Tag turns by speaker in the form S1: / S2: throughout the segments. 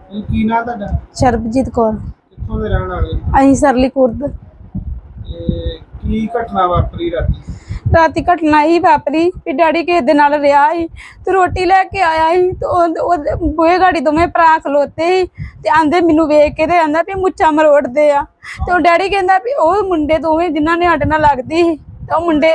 S1: ਕੀ ਨਾਂ ਤੁਹਾਡਾ?
S2: ਸ਼ਰਬਜੀਤ ਕੌਰ।
S1: ਕਿੱਥੋਂ ਦੇ ਰਹਿਣ ਵਾਲੇ?
S2: ਅਸੀਂ ਸਰਲੀ ਖੁਰਦ।
S1: ਤੇ ਕੀ ਘਟਨਾ ਵਾਪਰੀ ਰਾਤੀ?
S2: ਰਾਤੀ ਘਟਨਾ ਹੀ ਵਾਪਰੀ ਵੀ ਡੈਡੀ ਕਿਸੇ ਦੇ ਨਾਲ ਰਿਹਾ ਸੀ ਤੇ ਰੋਟੀ ਲੈ ਕੇ ਆਇਆ ਸੀ ਤੇ ਉਹ ਬੂਹੇ ਗਾੜੀ ਦੋਵੇਂ ਭਰਾ ਖਲੋਤੇ ਸੀ ਤੇ ਆਂਦੇ ਮੈਨੂੰ ਵੇਖ ਕੇ ਤੇ ਆਂਦਾ ਵੀ ਮੁੱਛਾਂ ਮਰੋੜਦੇ ਆ। ਤੇ ਉਹ ਡੈਡੀ ਕਹਿੰਦਾ ਵੀ ਉਹ ਮੁੰਡੇ ਦੋਵੇਂ ਜਿਨ੍ਹਾਂ ਨੇ ਸਾਡੇ ਨਾਲ ਲੱਗਦੀ ਸੀ ਤੇ ਉਹ ਮੁੰਡੇ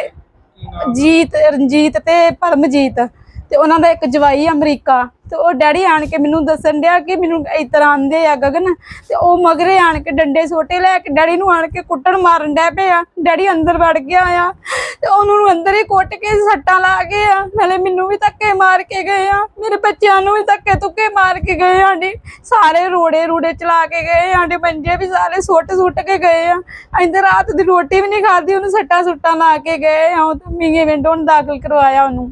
S2: ਰਣਜੀਤ ਤੇ ਪਰਮਜੀਤ ਤੇ ਉਹਨਾਂ ਦਾ ਇੱਕ ਜਵਾਈ ਅਮਰੀਕਾ। ਤੇ ਉਹ ਡੈਡੀ ਆਣ ਕੇ ਮੈਨੂੰ ਦੱਸਣ ਡਿਆ ਕਿ ਮੈਨੂੰ ਇਸ ਤਰ੍ਹਾਂ ਆਂਦੇ ਆ ਗਗਨ ਤੇ ਉਹ ਮਗਰੇ ਆਣ ਕੇ ਡੰਡੇ ਸੋਟੇ ਲੈ ਕੇ ਡੈਡੀ ਨੂੰ ਆਣ ਕੇ ਕੁੱਟਣ ਮਾਰਨ ਡੈ ਪਏ ਆ। ਡੈਡੀ ਅੰਦਰ ਵੜ ਗਿਆ ਆ ਤੇ ਉਹਨੂੰ ਅੰਦਰ ਹੀ ਕੁੱਟ ਕੇ ਸੱਟਾਂ ਲਾ ਗਏ ਆ। ਨਾਲੇ ਮੈਨੂੰ ਵੀ ਧੱਕੇ ਮਾਰ ਕੇ ਗਏ ਆ, ਮੇਰੇ ਬੱਚਿਆਂ ਨੂੰ ਵੀ ਧੱਕੇ ਧੁੱਕੇ ਮਾਰ ਕੇ ਗਏ ਆ। ਸਾਰੇ ਰੋੜੇ ਚਲਾ ਕੇ ਗਏ ਆ। ਮੰਜੇ ਵੀ ਸਾਰੇ ਸੁੱਟ ਕੇ ਗਏ ਆ। ਅਸੀਂ ਤਾਂ ਰਾਤ ਦੀ ਰੋਟੀ ਵੀ ਨਹੀਂ ਖਾਧੀ, ਉਹਨੂੰ ਸੱਟਾਂ ਸੁੱਟਾਂ ਲਾ ਕੇ ਗਏ ਆ। ਉਹ ਤਾਂ ਮੀਂਗੇ ਵਿੰਡੋ ਨੂੰ ਦਾਖਲ ਕਰਵਾਇਆ ਉਹਨੂੰ।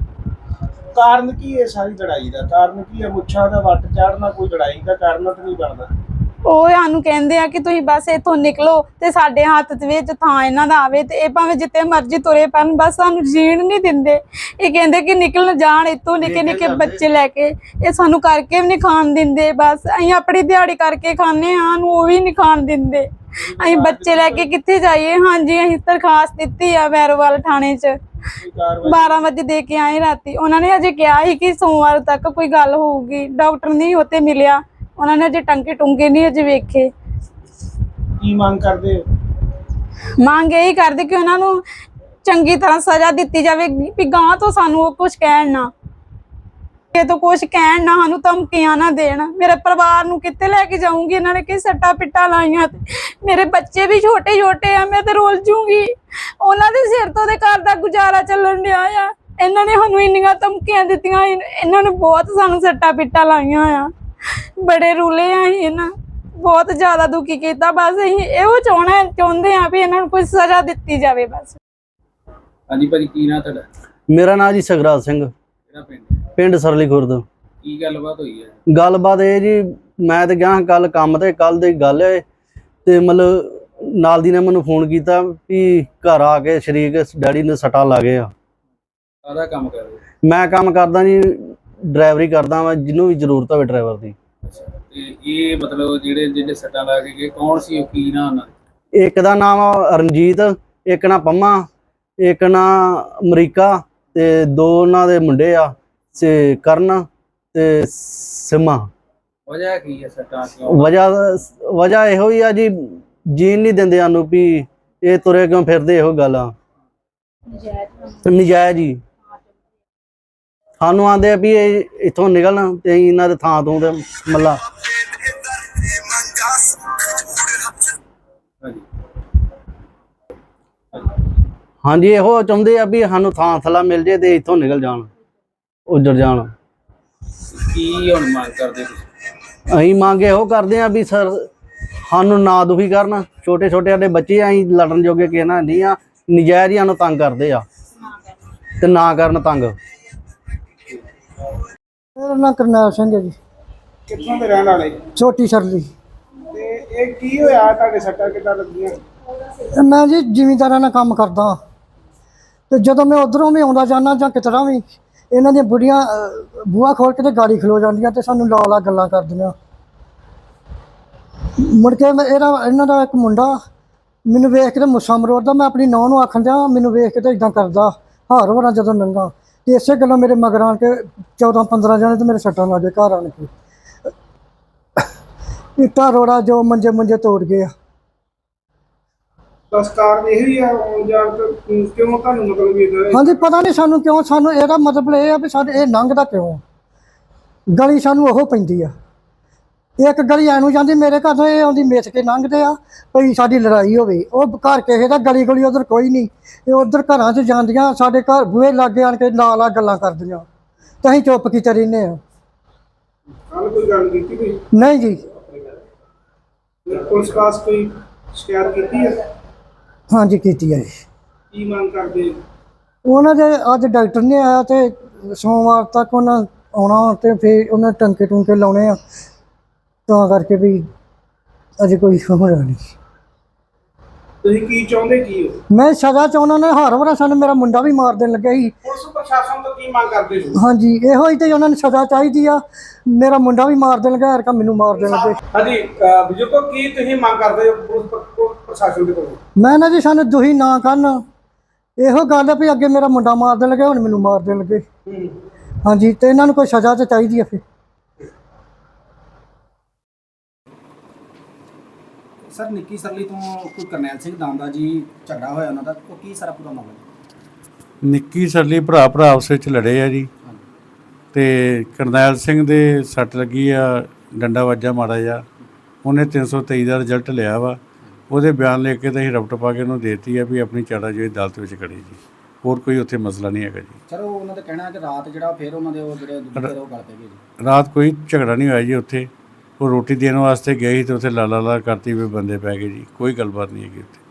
S1: ਕਾਰਨ ਕੀ ਹੈ ਸਾਰੀ ਲੜਾਈ ਦਾ? ਕਾਰਨ ਕੀ ਹੈ? ਮੁੱਛਾਂ ਦਾ ਵੱਟ ਚਾੜਨਾ ਕੋਈ ਲੜਾਈ ਦਾ ਕਾਰਨ ਤਾਂ ਨਹੀਂ ਬਣਦਾ।
S2: ਉਹ ਸਾਨੂੰ ਕਹਿੰਦੇ ਆ ਕਿ ਤੁਸੀਂ ਬਸ ਇੱਥੋਂ ਨਿਕਲੋ ਤੇ ਸਾਡੇ ਹੱਥ ਦੇ ਵਿੱਚ ਥਾਂ ਇਹਨਾਂ ਦਾ ਆਵੇ ਤੇ ਇਹ ਭਾਵੇਂ ਜਿੱਥੇ ਮਰਜ਼ੀ ਤੁਰੇ ਪੈਣ, ਬਸ ਸਾਨੂੰ ਜੀਣ ਨਹੀਂ ਦਿੰਦੇ। ਇਹ ਕਹਿੰਦੇ ਕਿ ਨਿਕਲ ਜਾਣ ਇੱਥੋਂ, ਨਿੱਕੇ ਨਿੱਕੇ ਬੱਚੇ ਲੈ ਕੇ। ਇਹ ਸਾਨੂੰ ਕਰਕੇ ਵੀ ਨਹੀਂ ਖਾਣ ਦਿੰਦੇ। ਬਸ ਅਸੀਂ ਆਪਣੀ ਦਿਹਾੜੀ ਕਰਕੇ ਖਾਂਦੇ ਹਾਂ, ਸਾਨੂੰ ਉਹ ਵੀ ਨਹੀਂ ਖਾਣ ਦਿੰਦੇ। ਅਸੀਂ ਬੱਚੇ ਲੈ ਕੇ ਕਿੱਥੇ ਜਾਈਏ? ਹਾਂਜੀ, ਅਸੀਂ ਦਰਖਾਸਤ ਦਿੱਤੀ ਆ ਵੈਰੋਵਾਲ ਥਾਣੇ 'ਚ। 12 ਵਜੇ ਦੇ ਕੇ ਆਏ ਰਾਤੀ। ਉਹਨਾਂ ਨੇ ਅਜੇ ਕਿਹਾ ਸੀ ਕਿ ਸੋਮਵਾਰ ਤੱਕ ਕੋਈ ਗੱਲ ਹੋਊਗੀ। ਡਾਕਟਰ ਨਹੀਂ ਉੱਥੇ ਮਿਲਿਆ, ਉਹਨਾਂ ਨੇ ਅਜੇ ਟੰਕੇ ਟੁੰਕੇ ਨਹੀਂ ਅਜੇ ਵੇਖੇ।
S1: ਕੀ ਮੰਗ ਕਰਦੇ ਹੋ?
S2: ਮੰਗ ਇਹੀ ਕਰਦੇ ਕਿ ਉਹਨਾਂ ਨੂੰ ਚੰਗੀ ਤਰ੍ਹਾਂ ਸਜ਼ਾ ਦਿੱਤੀ ਜਾਵੇ ਵੀ ਗਾਂ ਤੋਂ ਸਾਨੂੰ ਉਹ ਕੁਛ ਕਹਿਣ ਨਾ, ਤੋਂ ਕੁਛ ਕਹਿਣ ਨਾ, ਸਾਨੂੰ ਧਮਕੀਆਂ ਨਾ ਦੇਣ। ਮੇਰੇ ਪਰਿਵਾਰ ਨੂੰ ਕਿੱਥੇ ਲੈ ਕੇ ਜਾਊਂਗੀ? ਇਹਨਾਂ ਨੇ ਕਿ ਸੱਟਾ ਪਿੱਟਾ ਲਾਈਆਂ ਤੇ ਮੇਰੇ ਬੱਚੇ ਵੀ ਛੋਟੇ ਆ। ਮੈਂ ਤੇ ਰੁੱਲ ਜੂਗੀ। ਉਹਨਾਂ ਦੇ ਸਿਰ ਤੋਂ ਦੇ ਘਰ ਦਾ ਗੁਜ਼ਾਰਾ ਚੱਲਣ ਡਿਆ ਆ। ਇਹਨਾਂ ਨੇ ਸਾਨੂੰ ਇੰਨੀਆਂ ਧਮਕੀਆਂ ਦਿੱਤੀਆਂ, ਇਹਨਾਂ ਨੇ ਬਹੁਤ ਸਾਨੂੰ ਸੱਟਾ ਪਿੱਟਾ ਲਾਈਆਂ ਆ। ਬੜੇ ਰੁਲੇ ਆ ਅਸੀਂ, ਇਹਨਾਂ ਬਹੁਤ ਜ਼ਿਆਦਾ ਦੁਖੀ ਕੀਤਾ। ਬਸ ਅਸੀਂ ਇਹੋ ਚਾਹੁੰਦੇ ਆ ਵੀ ਇਹਨਾਂ ਨੂੰ ਕੋਈ ਸਜ਼ਾ ਦਿੱਤੀ ਜਾਵੇ ਬਸ।
S1: ਹਾਂਜੀ ਭਾਜੀ, ਕੀ ਨਾਂ ਤੁਹਾਡਾ?
S3: ਮੇਰਾ ਨਾਂ ਜੀ ਸਗਰਾਜ ਸਿੰਘ,
S1: ਕਿਹੜਾ ਪਿੰਡ?
S3: ਪਿੰਡ ਸਰਲੀ ਖੁਰਦ।
S1: ਕੀ ਗੱਲਬਾਤ ਹੋਈ ਹੈ?
S3: ਗੱਲਬਾਤ ਇਹ ਜੀ, ਮੈਂ ਤੇ ਗਿਆ ਕੱਲ ਕੰਮ ਤੇ, ਕੱਲ ਦੀ ਗੱਲ ਹੈ ਤੇ ਮਤਲਬ ਨਾਲ ਦੀ ਨੇ ਮੈਨੂੰ ਫੋਨ ਕੀਤਾ ਵੀ ਘਰ ਆ ਕੇ ਸ਼ਰੀਕ ਡੈਡੀ ਨੇ ਸੱਟਾਂ ਲਾ ਗਏ ਆ।
S1: ਕਾਹਦਾ ਕੰਮ ਕਰਦੇ?
S3: ਮੈਂ ਕੰਮ ਕਰਦਾ ਜੀ, ਡਰਾਈਵਰੀ ਕਰਦਾ ਵਾ, ਜਿਹਨੂੰ ਵੀ ਜ਼ਰੂਰਤ ਹੋਵੇ ਡਰਾਈਵਰ ਦੀ।
S1: ਅੱਛਾ, ਤੇ ਇਹ ਮਤਲਬ ਜਿਹੜੇ ਸੱਟਾਂ ਲਾ ਕੇ ਗਏ, ਕੌਣ ਸੀ ਉਹ? ਕੀ ਨਾਂ ਉਹਨਾਂ ਦਾ?
S3: ਇੱਕ ਦਾ ਨਾਮ ਆ ਰਣਜੀਤ, ਇੱਕ ਨਾ ਪੰਮਾ, ਇੱਕ ਨਾ ਅਮਰੀਕਾ ਤੇ ਦੋ ਉਹਨਾਂ ਦੇ ਮੁੰਡੇ ਆ ਤੇ ਕਰਨ ਤੇ ਸਿਮਾ।
S1: ਵਜ੍ਹਾ ਕੀ ਹੈ ਸੱਟਾਂ ਕਿਉਂ?
S3: ਵਜ੍ਹਾ ਇਹੋ ਹੀ ਆ ਜੀ, ਜੀਣ ਨਹੀਂ ਦਿੰਦੇ ਸਾਨੂੰ ਵੀ ਇਹ ਤੁਰੇ ਕਿਉਂ ਫਿਰਦੇ। ਇਹੋ ਗੱਲ ਆ, ਨਜਾਇਜ਼ ਜੀ। ਸਾਨੂੰ ਆਂਦੇ ਆ ਵੀ ਇਹ ਇੱਥੋਂ ਨਿਕਲਣ ਤੇ ਇਹਨਾਂ ਦੇ ਥਾਂ ਤੋਂ ਤੇ ਮੱਲਾ। ਹਾਂਜੀ, ਇਹੋ ਚਾਹੁੰਦੇ ਆ ਵੀ ਸਾਨੂੰ ਥਾਂ ਥਲਾ ਮਿਲ ਜੇ ਤੇ ਇੱਥੋਂ ਨਿਕਲ ਜਾਣ, ਉੱਜੜ ਜਾਣ।
S1: ਕੀ ਹੁਣ ਮੰਗ ਕਰਦੇ ਤੁਸੀਂ?
S3: ਅਸੀਂ ਮੰਗ ਇਹੋ ਕਰਦੇ ਆ ਵੀ ਸਰ ਸਾਨੂੰ ਨਾ ਦੁਖੀ ਕਰਨ। ਛੋਟੇ ਸਾਡੇ ਬੱਚੇ ਆ, ਅਸੀਂ ਲੜਨ ਜੋਗੇ ਕਿਸੇ ਨਾਲ ਨਹੀਂ ਆ। ਨਜਾਇਜ਼ ਹੀ ਸਾਨੂੰ ਤੰਗ ਕਰਦੇ ਆ ਤੇ ਨਾ ਕਰਨ ਤੰਗ।
S4: ਮੇਰਾ ਨਾਂ ਕਰਨੈਲ ਸਿੰਘ ਹੈ ਜੀ।
S1: ਕਿੱਥੋਂ ਦੇ ਰਹਿਣ ਵਾਲੇ?
S4: ਛੋਟੀ ਸਰਲੀ।
S1: ਤੇ ਇਹ ਕੀ ਹੋਇਆ? ਤੁਹਾਡੇ ਸੱਟਾਂ ਕਿੱਦਾਂ ਲੱਗੀਆਂ?
S4: ਮੈਂ ਜੀ ਜ਼ਿਮੀਂਦਾਰਾਂ ਨਾਲ ਕੰਮ ਕਰਦਾ ਤੇ ਜਦੋਂ ਮੈਂ ਉਧਰੋਂ ਵੀ ਆਉਂਦਾ ਜਾਂਦਾ ਜਾਂ ਕਿਤਰਾ ਵੀ, ਇਹਨਾਂ ਦੀਆਂ ਬੁੜੀਆਂ ਬੂਹਾ ਖੋਲ ਕੇ ਤੇ ਗਾੜੀ ਖਲੋ ਜਾਂਦੀਆਂ ਤੇ ਸਾਨੂੰ ਲਾ ਗੱਲਾਂ ਕਰਦੀਆਂ। ਮੁੜ ਕੇ ਇਹਨਾਂ ਦਾ ਇੱਕ ਮੁੰਡਾ ਮੈਨੂੰ ਵੇਖ ਕੇ ਤੇ ਮੁੱਛਾਂ ਮਰੋੜਦਾ। ਮੈਂ ਆਪਣੀ ਨੂੰਹ ਨੂੰ ਆਖਣ ਦਿਆਂ, ਮੈਨੂੰ ਵੇਖ ਕੇ ਤੇ ਇਦਾਂ ਕਰਦਾ ਹਾਰ ਹੋਰਾਂ ਜਦੋਂ ਲੰਘਾ। ਤੇ ਇਸੇ ਗੱਲੋਂ ਮੇਰੇ ਮਗਰ ਆਣ ਕੇ 14-15 ਜਣੇ ਤੇ ਮੇਰੇ ਸੱਟਾਂ ਲੱਗ ਗਏ ਘਰ ਆਣ ਕੇ। ਇੱਟਾਂ ਰੋੜਾ ਜੋ ਮੰਜੇ ਤੋੜ ਗਏ ਆ।
S1: ਬਸ ਕਾਰਨ ਇਹੀ ਆ ਜਾਣ ਤੋਂ ਕਿਉਂ ਤੁਹਾਨੂੰ ਮਤਲਬ ਇਹਦਾ?
S4: ਹਾਂਜੀ, ਪਤਾ ਨਹੀਂ ਸਾਨੂੰ ਕਿਉਂ। ਸਾਨੂੰ ਇਹਦਾ ਮਤਲਬ ਇਹ ਆ ਵੀ ਸਾਡੇ ਇਹ ਲੰਘਦਾ ਕਿਉਂ। ਗਲੀ ਸਾਨੂੰ ਉਹ ਪੈਂਦੀ ਆ। ਇੱਕ ਗਲੀ ਐਨੂੰ ਜਾਂਦੀ ਮੇਰੇ ਘਰ ਤੋਂ, ਇਹ ਆਉਂਦੀ ਮਿੱਥ ਕੇ ਲੰਘਦੇ ਆ ਭਈ ਸਾਡੀ ਲੜਾਈ ਹੋਵੇ। ਉਹ ਘਰ ਕਿਸੇ ਦਾ ਗਲੀ ਉਧਰ ਕੋਈ ਨਹੀਂ। ਇਹ ਉਧਰ ਘਰਾਂ 'ਚ ਜਾਂਦੀਆਂ, ਸਾਡੇ ਘਰ ਬੂਹੇ ਲਾਗੇ ਆਣ ਕੇ ਲਾ ਗੱਲਾਂ ਕਰਦੀਆਂ ਤੇ ਅਸੀਂ ਚੁੱਪ ਕੀਤੇ ਰਹਿੰਦੇ ਆ।
S1: ਕੱਲ ਕੋਈ ਗੱਲ ਕੀਤੀ ਕੋਈ?
S4: ਨਹੀਂ ਜੀ।
S1: ਪੁਲਿਸ ਪਾਸ ਕੋਈ ਸ਼ਿਕਾਇਤ ਕੀਤੀ ਹੈ?
S4: ਹਾਂਜੀ, ਕੀਤੀ ਹੈ।
S1: ਕੀ ਮੰਗ ਕਰਦੇ?
S4: ਉਹਨਾਂ ਦੇ ਅੱਜ ਡਾਕਟਰ ਨਹੀਂ ਆਇਆ ਤੇ ਸੋਮਵਾਰ ਤੱਕ ਉਹਨਾਂ ਆਉਣਾ ਤੇ ਫਿਰ ਉਹਨਾਂ ਟੰਕੇ ਟੁੰਕੇ ਲਾਉਣੇ ਆ, ਤਾਂ ਕਰਕੇ ਵੀ ਅਜੇ ਕੋਈ ਹੋਣਾ ਨਹੀਂ।
S1: ਤੁਸੀਂ ਕੀ ਚਾਹੁੰਦੇ ਕੀ ਹੋ?
S4: ਮੈਂ ਸਜ਼ਾ ਚਾਹੁੰਦਾ ਨੇ, ਹਰ ਵਾਰ ਸਾਨੂੰ ਮੇਰਾ ਮੁੰਡਾ ਵੀ ਮਾਰ ਦੇਣ ਲੱਗਾ ਸੀ।
S1: ਪੁਲਿਸ ਪ੍ਰਸ਼ਾਸਨ ਤੋਂ ਕੀ ਮੰਗ ਕਰਦੇ ਹੋ?
S4: ਹਾਂਜੀ, ਇਹੋ ਹੀ ਤੇ ਉਹਨਾਂ ਨੂੰ ਸਜ਼ਾ ਚਾਹੀਦੀ ਆ। ਮੇਰਾ ਮੁੰਡਾ ਵੀ ਮਾਰ ਦੇਣ ਲੱਗਾ, ਹਰਕਾ ਮੈਨੂੰ ਮਾਰ ਦੇਣ ਲੱਗੇ।
S1: ਹਾਂਜੀ ਬਜ਼ੁਰਗੋ, ਕੀ ਤੁਸੀਂ ਮੰਗ ਕਰਦੇ ਹੋ ਪੁਲਿਸ ਪ੍ਰਸ਼ਾਸਨ ਦੇ ਕੋਲੋਂ?
S4: ਮੈਂ ਨਾ ਜੀ ਸਾਨੂੰ ਦੁਖੀ ਨਾ ਕਰਨ, ਇਹੋ ਗੱਲ ਆ ਵੀ ਅੱਗੇ ਮੇਰਾ ਮੁੰਡਾ ਮਾਰ ਦੇਣ ਲੱਗੇ, ਹੁਣ ਮੈਨੂੰ ਮਾਰ ਦੇਣ ਲੱਗੇ। ਹਾਂਜੀ, ਤੇ ਇਹਨਾਂ ਨੂੰ ਕੋਈ ਸਜ਼ਾ ਤਾਂ ਚਾਹੀਦੀ ਆ ਫਿਰ।
S5: ਸਰ ਨਿੱਕੀ ਸਰਲੀ ਤੋਂ ਕੋਈ ਕਰਨੈਲ ਸਿੰਘ ਦਾਂਦਾ ਜੀ ਝਗੜਾ ਹੋਇਆ ਉਹਨਾਂ ਦਾ, ਉਹ ਕੀ ਸਾਰਾ ਪੂਰਾ ਮਾਮਲਾ?
S6: ਨਿੱਕੀ ਸਰਲੀ ਭਰਾ ਆਪਸ ਵਿੱਚ ਲੜੇ ਆ ਜੀ, ਤੇ ਕਰਨੈਲ ਸਿੰਘ ਦੇ ਸੱਟ ਲੱਗੀ ਆ, ਡੰਡਾ ਵੱਜਾ ਮਾੜਾ ਜਿਹਾ, ਉਹਨੇ 323 ਦਾ ਰਿਜ਼ਲਟ ਲਿਆ ਵਾ। ਉਹਦੇ ਬਿਆਨ ਲੈ ਕੇ ਤਾਂ ਅਸੀਂ ਰਪਟ ਪਾ ਕੇ ਉਹਨੂੰ ਦੇਤੀ ਆ ਵੀ ਆਪਣੀ ਚਾਰਾਜੋਈ ਅਦਾਲਤ ਵਿੱਚ ਖੜੀ ਜੀ। ਹੋਰ ਕੋਈ ਉੱਥੇ ਮਸਲਾ ਨਹੀਂ ਹੈਗਾ ਜੀ।
S5: ਸਰ ਉਹਨਾਂ ਦਾ ਕਹਿਣਾ ਹੈ ਕਿ ਰਾਤ ਜਿਹੜਾ ਫਿਰ ਉਹਨਾਂ ਦੇ ਉਹ ਜਿਹੜੇ ਦੂਜੇ ਉਹ ਗੱਲ ਪੈ ਗਈ ਜੀ।
S6: ਰਾਤ ਕੋਈ ਝਗੜਾ ਨਹੀਂ ਹੋਇਆ ਜੀ ਉੱਥੇ। ਉਹ ਰੋਟੀ ਦੇਣ ਵਾਸਤੇ ਗਏ ਸੀ ਤੇ ਉੱਥੇ ਲਾ ਕਰਤੀ ਵੀ ਬੰਦੇ ਪੈ ਗਏ ਜੀ। ਕੋਈ ਗੱਲਬਾਤ ਨਹੀਂ ਹੈਗੀ ਉੱਥੇ।